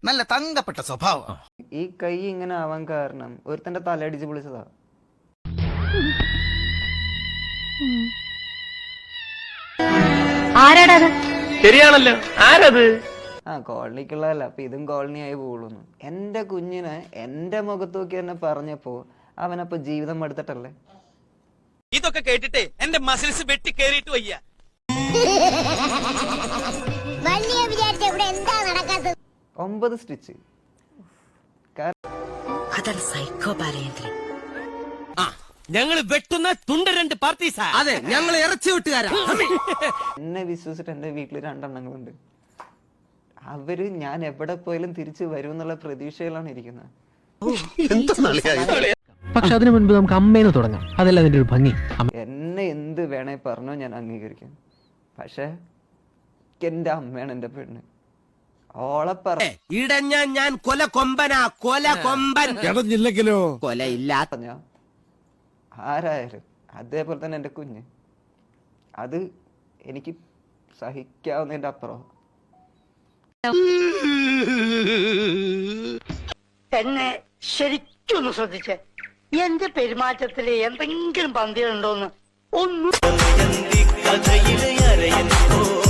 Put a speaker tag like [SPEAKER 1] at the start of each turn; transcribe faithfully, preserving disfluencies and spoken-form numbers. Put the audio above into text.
[SPEAKER 1] നല്ല തങ്കപ്പെട്ട സ്വഭാവം.
[SPEAKER 2] ഈ കൈ ഇങ്ങനെ ആവാൻ കാരണം ഒരുത്തന്റെ തലയടിച്ച് പൊളിച്ചതാ.
[SPEAKER 3] ആരാടത്?
[SPEAKER 4] ശരിയാണല്ലോ, ആരത്?
[SPEAKER 2] ആ കോളനിക്കുള്ളതല്ല, അപ്പൊ ഇതും കോളനി ആയി പോകുന്നു. എന്റെ കുഞ്ഞിനെ എന്റെ മുഖത്ത് നോക്കി തന്നെ പറഞ്ഞപ്പോ അവനപ്പൊ ജീവിതം എടുത്തിട്ടല്ലേ.
[SPEAKER 5] ഇതൊക്കെ കേട്ടിട്ടേ എന്റെ മസിൽസ് വെട്ടി കേറിയിട്ട് വയ്യ.
[SPEAKER 2] ഒമ്പത് സ്റ്റിച്ച്.
[SPEAKER 5] ഞങ്ങള് വെട്ടുന്ന തുണ്ട രണ്ട് പാർട്ടീസാ. അതെ, ഞങ്ങൾ ഇറച്ചി വെട്ടുകാരാ.
[SPEAKER 2] എന്നെ വിശ്വസിച്ചിട്ട് എന്റെ വീട്ടിൽ രണ്ടെണ്ണങ്ങളുണ്ട്. അവര് ഞാൻ എവിടെ പോയാലും തിരിച്ചു വരും എന്നുള്ള പ്രതീക്ഷയിലാണ് ഇരിക്കുന്നത്.
[SPEAKER 6] പക്ഷെ അതിനു മുൻപ് നമുക്ക് അമ്മേന്ന് തുടങ്ങാം. അതല്ല അതിന്റെ ഒരു ഭംഗി.
[SPEAKER 2] എന്നെ എന്ത് വേണേ പറഞ്ഞോ, ഞാൻ അംഗീകരിക്കാം. പക്ഷെ എന്റെ അമ്മയാണ് എന്റെ പെണ്ണ്. ഓളെ പറ
[SPEAKER 5] ഇടഞ്ഞ ഞാൻ കൊല കൊമ്പനാ, കൊല കൊമ്പൻ.
[SPEAKER 1] ഇടഞ്ഞില്ലെങ്കിലോ
[SPEAKER 5] കൊല ഇല്ല.
[SPEAKER 2] പറഞ്ഞ ആരായാലും അതേപോലെ തന്നെ എന്റെ കുഞ്ഞ്. അത് എനിക്ക് സഹിക്കാവുന്നതിന്റെ അപ്പുറം.
[SPEAKER 3] എന്നെ ശരിക്കൊന്ന് ശ്രദ്ധിച്ചേ. എന്റെ പെരുമാറ്റത്തില് എന്തെങ്കിലും പന്തികളുണ്ടോന്ന് ഒന്നും